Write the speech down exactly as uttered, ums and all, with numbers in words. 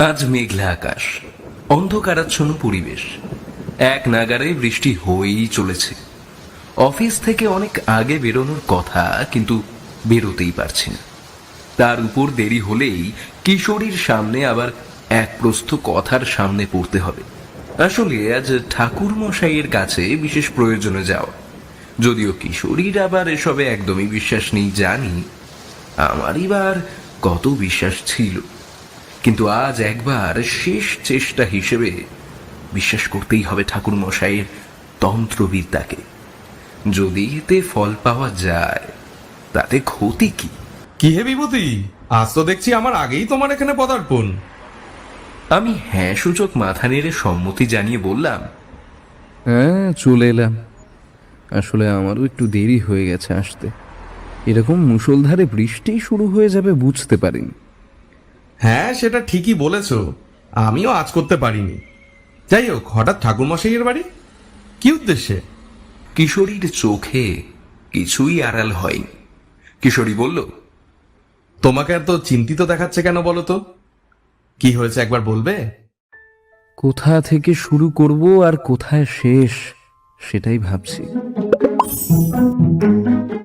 আজ মেঘলা আকাশ, অন্ধকারাচ্ছন্ন পরিবেশ, এক নাগারে বৃষ্টি হয়েই চলেছে। অফিস থেকে অনেক আগে বেরোনোর কথা, কিন্তু বেরোতেই পারছি না। তার উপর দেরি হলেই কিশোরীর সামনে আবার এক প্রস্থ কথার সামনে পড়তে হবে। আসলে আজ ঠাকুর মশাইয়ের কাছে বিশেষ প্রয়োজনে যাও, যদিও কিশোরীর আবার এসবে একদমই বিশ্বাস নেই জানি। আমারই বার কত বিশ্বাস ছিল, কিন্তু আজ একবার শেষ চেষ্টা হিসেবে বিশ্বাস করতেই হবে ঠাকুর মশাইয়ের তন্ত্রবিদ্যাকে। যদি এতে ফল পাওয়া যায় তাতে ক্ষতি কি? কি হে বিভূতি, আজ তো দেখছি আমার আগেই তোমার এখানে পদার্পণ। আমি হ্যাঁ সূচক মাথা নেড়ে সম্মতি জানিয়ে বললাম, হ্যাঁ, চলে এলাম। আসলে আমারও একটু দেরি হয়ে গেছে আসতে। এরকম মুষলধারে বৃষ্টি শুরু হয়ে যাবে বুঝতে পারিনি। হ্যাঁ, সেটা ঠিকই বলেছ, আমিও আজ করতে পারিনি। যাই হোক, হঠাৎ ঠাকুরমশাইয়ের বাড়ি, কি উদ্দেশ্যে? কিশোরীর চোখে কিছুই আড়াল হয়নি। কিশোরী বলল, তোমাকে এত চিন্তিত দেখাচ্ছে কেন বলো তো? কি হয়েছে একবার বলবে? কোথা থেকে শুরু করব আর কোথায় শেষ সেটাই ভাবছি।